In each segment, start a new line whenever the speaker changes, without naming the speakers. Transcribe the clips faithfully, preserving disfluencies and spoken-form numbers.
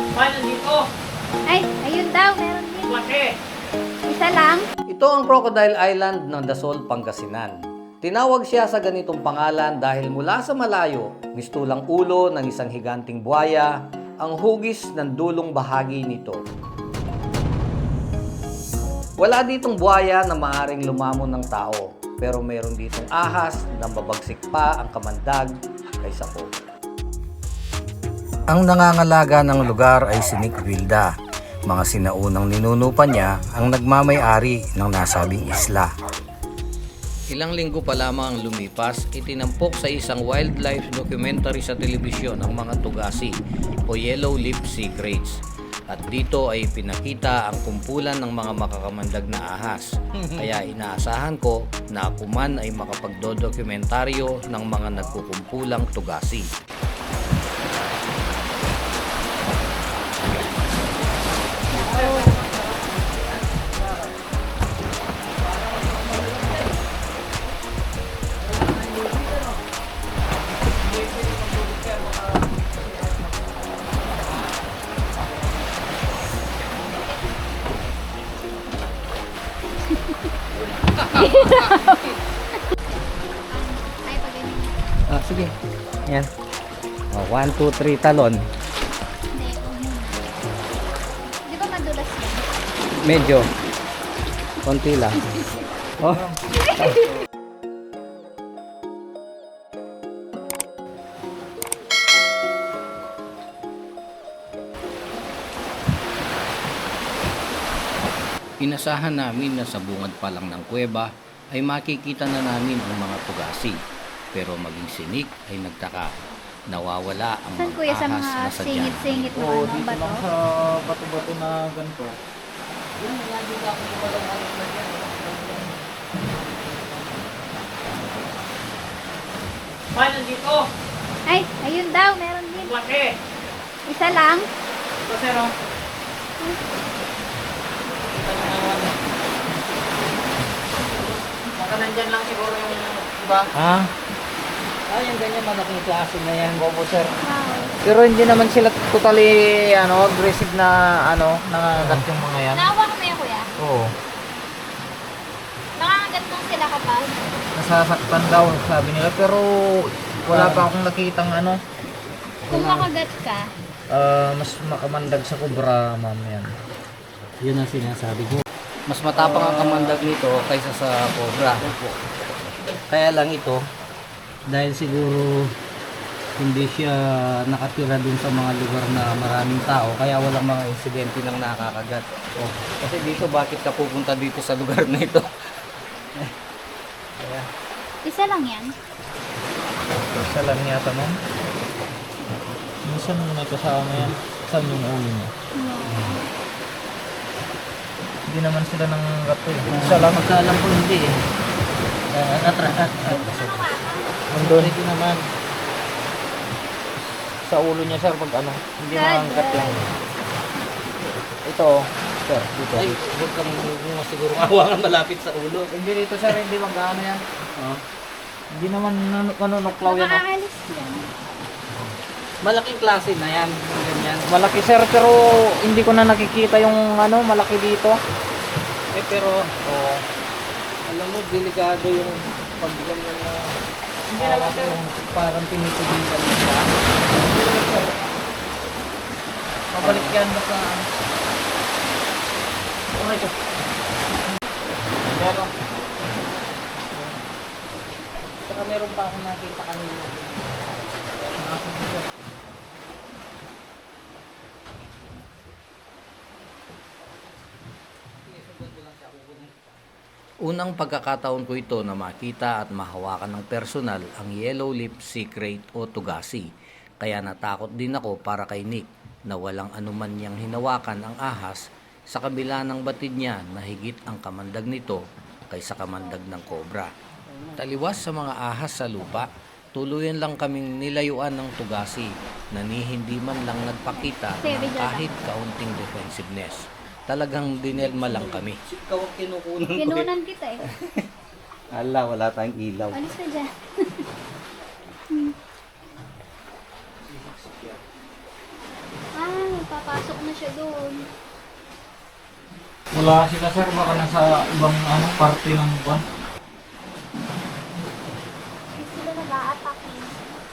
Paano dito?
Ay, ayun daw, meron din.
Laki.
Isa lang.
Ito ang Crocodile Island ng Dasol, Pangasinan. Tinawag siya sa ganitong pangalan dahil mula sa malayo, mistulang ulo ng isang higanting buhaya ang hugis ng dulong bahagi nito. Wala ditong buhaya na maaring lumamon ng tao, pero meron ditong ahas na babagsik pa ang kamandag kaysa po. Ang nangangalaga ng lugar ay si Nick Vilda. Mga sinaunang ninuno pa niya ang nagmamay-ari ng nasabing isla. Ilang linggo pa lamang ang lumipas, itinampok sa isang wildlife documentary sa telebisyon ang mga tugasi o yellow lip sea kraits. At dito ay pinakita ang kumpulan ng mga makakamandag na ahas. Kaya inaasahan ko na ako man ay makapagdodokumentaryo ng mga nagkukumpulang tugasi.
Ay, pag ganyan.
Ah, sige. Yan. Oh, one, two, three, talon.
Hindi, huwag muna. Di ba madulas yan?
Medyo. Konti lang. Oh. Inasahan namin na sa bungad pa lang ng kuweba ay makikita na namin ang mga tugasi. Pero maging sinik ay nagtaka. Nawawala ang
Saan
mga
kuya sa
ahas
mga
na sadyang
singit-singit mo
Oo,
ano,
dito
bato?
lang sa bato-bato na ganito. Paano dito?
Ay, ayun daw, meron din.
Laki.
Isa lang.
Ito, sir, oh. Kita mo naman. Baka nandyan lang siguro yung iba.
Ha? Ah, yung ganyan malaking klase na yan.
Bobo, sir.
Wow.
Pero hindi naman sila totally ano, aggressive na ano, nangagat yung mga yan.
Naawa ko na yan, kuya.
Oo.
Nakakagat lang sila kapag.
Nasasaktan daw sabi nila pero wala pa akong nakitang ano,
Kung makagat ka,
ah, mas makamandag sa kubra, ma'am yan.
Yun ang sinasabi ko. Mas matapang ang kamandag nito kaysa sa cobra. Kaya lang ito, dahil siguro hindi siya nakatira dun sa mga lugar na maraming tao, kaya walang mga insidente ng nakakagat. Oh, kasi dito, bakit ka pupunta dito sa lugar na ito? Kaya,
isa lang yan.
Isa lang yata, ma'am. Minsan mo may kasama yan. Saan yung ulo niya?
Wow.
Hindi naman sila nang gato eh. Isa lang.
magkaalam ko hindi eh. Uh, at, at, at, at,
Nandun. Ito naman. Sa ulo niya, sir, pag ano. Hindi
God,
nanganggat
God.
lang. Ito, sir, dito.
ay, huwag kang huwag siguro awa nga malapit sa ulo.
Hindi dito, sir, hindi magkano yan.
Oh.
Hindi naman nan- nanunuklaw yan. Oh.
Nakakalis yan.
Malaking klase na yan, yung ganyan.
Malaki, sir, pero hindi ko na nakikita yung ano, malaki dito.
Eh pero, oh, alam mo, delikado yung pagganyan na
Hindi naman,
hawak
sir.
yung parang pinitigilan mo siya.
Mabalik yan basta ano. Okay, sir. Meron.
Saka meron pa akong nakita kanina. Unang pagkakataon ko ito na makita at mahawakan ng personal ang yellow lip sea krait o tugasi. Kaya natakot din ako para kay Nick na walang anuman niyang hinawakan ang ahas sa kabila ng batid niya na higit ang kamandag nito kaysa kamandag ng cobra. Taliwas sa mga ahas sa lupa, tuluyan lang kaming nilayuan ng tugasi na ni hindi man lang nagpakita ng kahit kaunting defensiveness. Talagang dinelma lang kami. Ikaw ang kinukunan ko.
Kinunan kita eh.
Ala, wala tayong ilaw.
Alis na dyan. Ah, Pasok na siya doon.
Wala sila sir, baka nasa ibang ano, parte ng buwan.
Hindi sila nag-a-attack eh.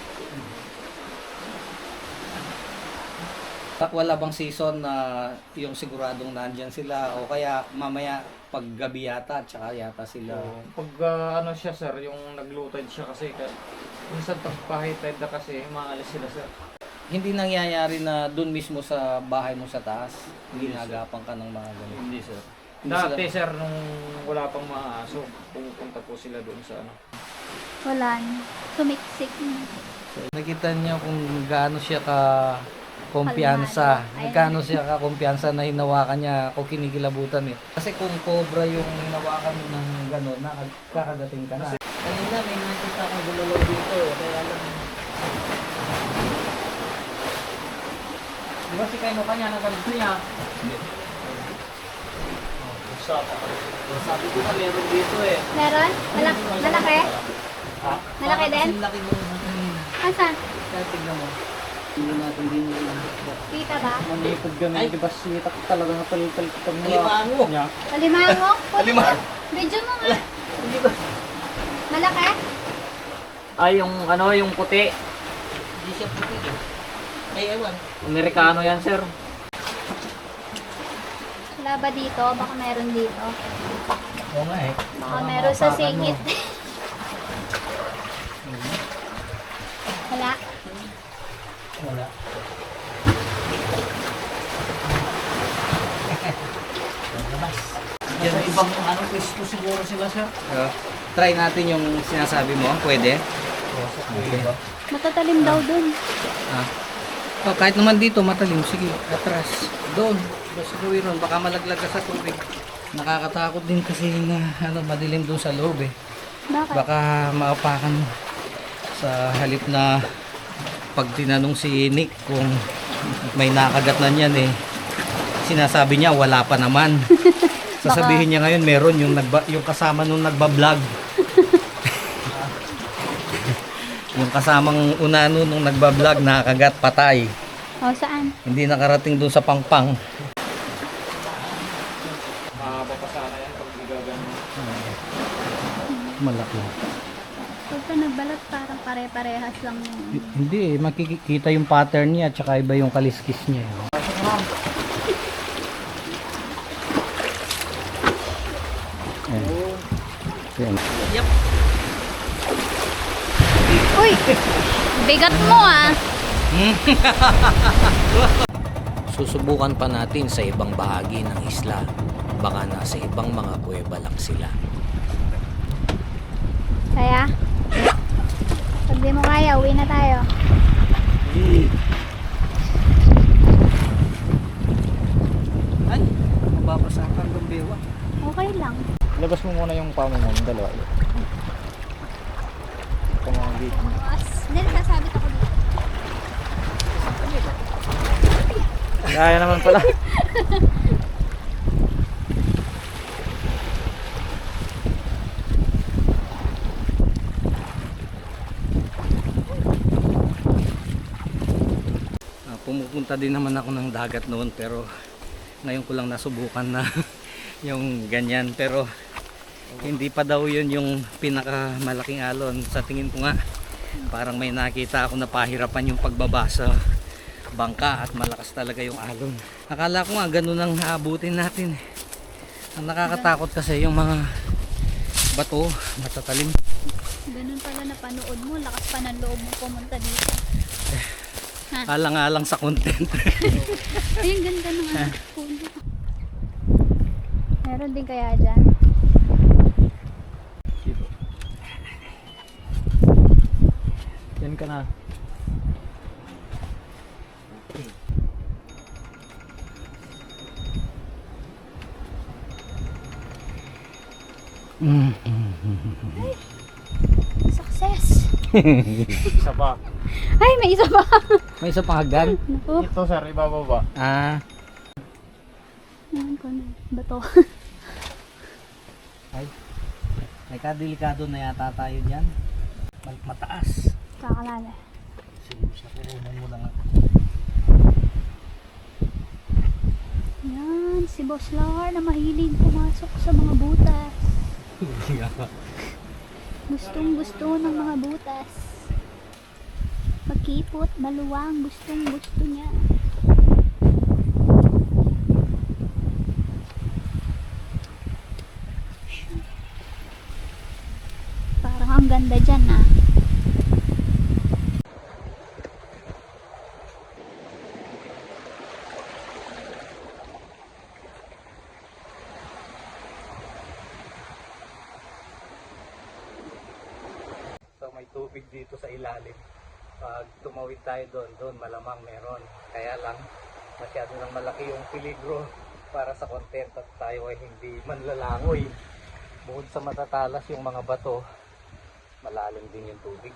Wala bang season na yung siguradong nandyan sila o kaya mamaya paggabi yata tsaka yata sila.
So, pag ah, ano siya sir, yung naglutad siya kasi, ka- minsan pag pahitid na kasi, maalis sila sir.
Hindi nangyayari na dun mismo sa bahay mo sa taas,
Hindi,
ginagapan ka ng mga ganito.
Hindi sir.
Hindi
Dati
sila-
sir, nung wala pang mga aso, pumupunta po sila doon sa ano.
Wala na. Sumiksik na.
Nakita niyo kung gaano siya ka kumpiyansa.
Kalmado. Ayun.
Gaano siya ka kumpiyansa na hinawakan niya ako kinikilabutan eh. Kasi kung cobra yung hinawakan mo ng gano'n, nakakadating ka na. Kanina may nakita akong gululaw dito, kaya lang. Di ba si Kaino kanya nagkalito niya? Hindi. Sabi ko na meron dito eh.
Meron? Malaki? Malaki?
Ha?
Malaki din?
Kasi laki mo natin.
Asan?
Kaya tignan mo. Hindi natin din yung
Kita ba?
Manipod kami,
Ay.
di ba sita ko talaga ng tal-tal pag
Alimango.
niya.
Alimango?
Alimango.
Medyo mo nga. Malaki?
Ay, yung ano, yung puti.
Hindi siya puti. Ay, ewan.
Amerikano yan sir.
Wala ba dito? Baka meron dito.
Oo nga eh.
Baka meron sa singit. Wala.
Wala.
Yan, ibang ano, pwesto siguro sila sir.
Uh, try natin yung sinasabi mo. Pwede?
Okay.
Matatalim daw dun.
Ah. Oh, kahit naman dito matalim. Sige, atras. Doon. Basta gawin ron. Baka malaglag ka sa tubig. Nakakatakot din kasi na ano, madilim doon sa loob eh.
Bakit?
Baka maapakan sa halip na pag tinanong si Nick kung may nakagat na niyan eh. Sinasabi niya wala pa naman. Sasabihin niya ngayon meron yung nagba, yung kasama nung nagba-vlog. Yung kasamang unano nung nagba-vlog nakagat patay.
O, saan?
Hindi nakarating doon sa pangpang.
Mahaba pa sana yan pag gagano.
Malaki.
Pag ka nagbalat, parang pare-parehas lang yun.
Hindi eh, makikita yung pattern niya tsaka iba yung kaliskis niya. Ayan. Yep.
Uy! Bigat mo ah!
Susubukan pa natin sa ibang bahagi ng isla. Baka nasa ibang mga kuweba lang sila.
Kaya? Pag di mo kaya, uwi na tayo.
Ay, mababasa ka ng bewa.
Okay lang.
Labas mo muna yung pamo mo, yung dalawa. Ito mga gate mo.
As, hindi, nasasabit ako dito.
Kaya naman pala.
Ah, pumupunta din naman ako ng dagat noon pero ngayon ko lang nasubukan na yung ganyan pero hindi pa daw yun yung pinakamalaking alon sa tingin ko nga. Parang may nakita ako na pahirapan yung pagbaba sa bangka at malakas talaga yung alon. Akala ko nga ganun ang aabutin natin. Ang nakakatakot kasi yung mga bato matatalim.
Ganun pala na panood mo. Lakas pa ng loob mo pumunta dito.
Alang-alang sa content.
Ay, ang ganda ng ano. puno. Meron din kaya dyan.
Yan ka na.
Success!
Isa pa.
Ay, may isa pa!
May isa pang hagdan.
Naku.
Ito sir, ibababa.
Ah,
Ayan ko na. Bato.
ay. May kadelikado na yata tayo diyan. Mataas.
Kakalala.
Sige, sa kurunan mo lang ako.
Boss Lar na mahilig pumasok sa mga butas. Gustong gusto ng mga butas. Magkipot, maluwang, gustong gusto niya. Parang ang ganda dyan ah.
So may tubig dito sa ilalim. Pag tumawid tayo doon, doon malamang meron. Kaya lang masyado nang malaki yung peligro para sa content at tayo ay hindi manlalangoy. Bukod sa matatalas yung mga bato, malalim din yung tubig.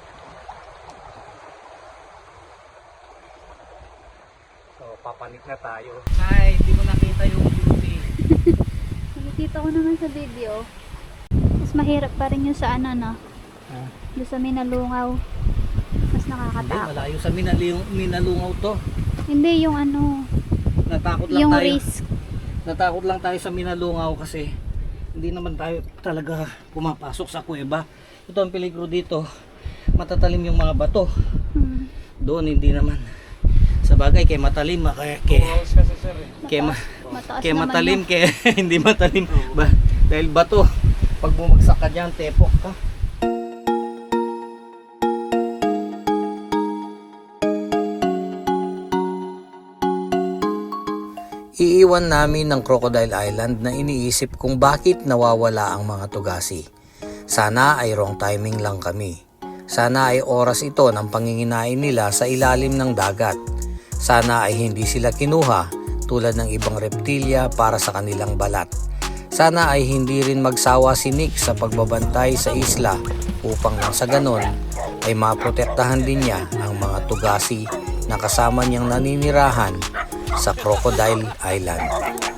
So papanik na tayo. Ay, hindi mo nakita yung beauty.
Nakikita ko naman sa video. Mas mahirap pa rin yung sa ano no.
Ah.
Doon sa Minalungaw. Mas
Hindi,
nakakatakot.
malayo sa minalung- minalungaw to.
Hindi yung ano,
Natakot lang
yung
tayo.
risk.
Natakot lang tayo sa minalungaw kasi hindi naman tayo talaga pumapasok sa kuweba. Ito ang peligro dito. Matatalim yung mga bato.
Hmm.
Doon hindi naman. Sa bagay kay matalim, ah, kaya kay kay, ma,
Mataas
kay
naman
matalim,
yun.
kay hindi matalim ba dahil bato. Pag bumagsak ka diyan, tepok ka. Iiwan namin ng Crocodile Island na iniisip kung bakit nawawala ang mga tugasi. Sana ay wrong timing lang kami. Sana ay oras ito ng panginginain nila sa ilalim ng dagat. Sana ay hindi sila kinuha tulad ng ibang reptilya para sa kanilang balat. Sana ay hindi rin magsawa si Nick sa pagbabantay sa isla upang nang sa ganon ay maprotektahan din niya ang mga tugasi na kasama niyang naninirahan sa Crocodile Island.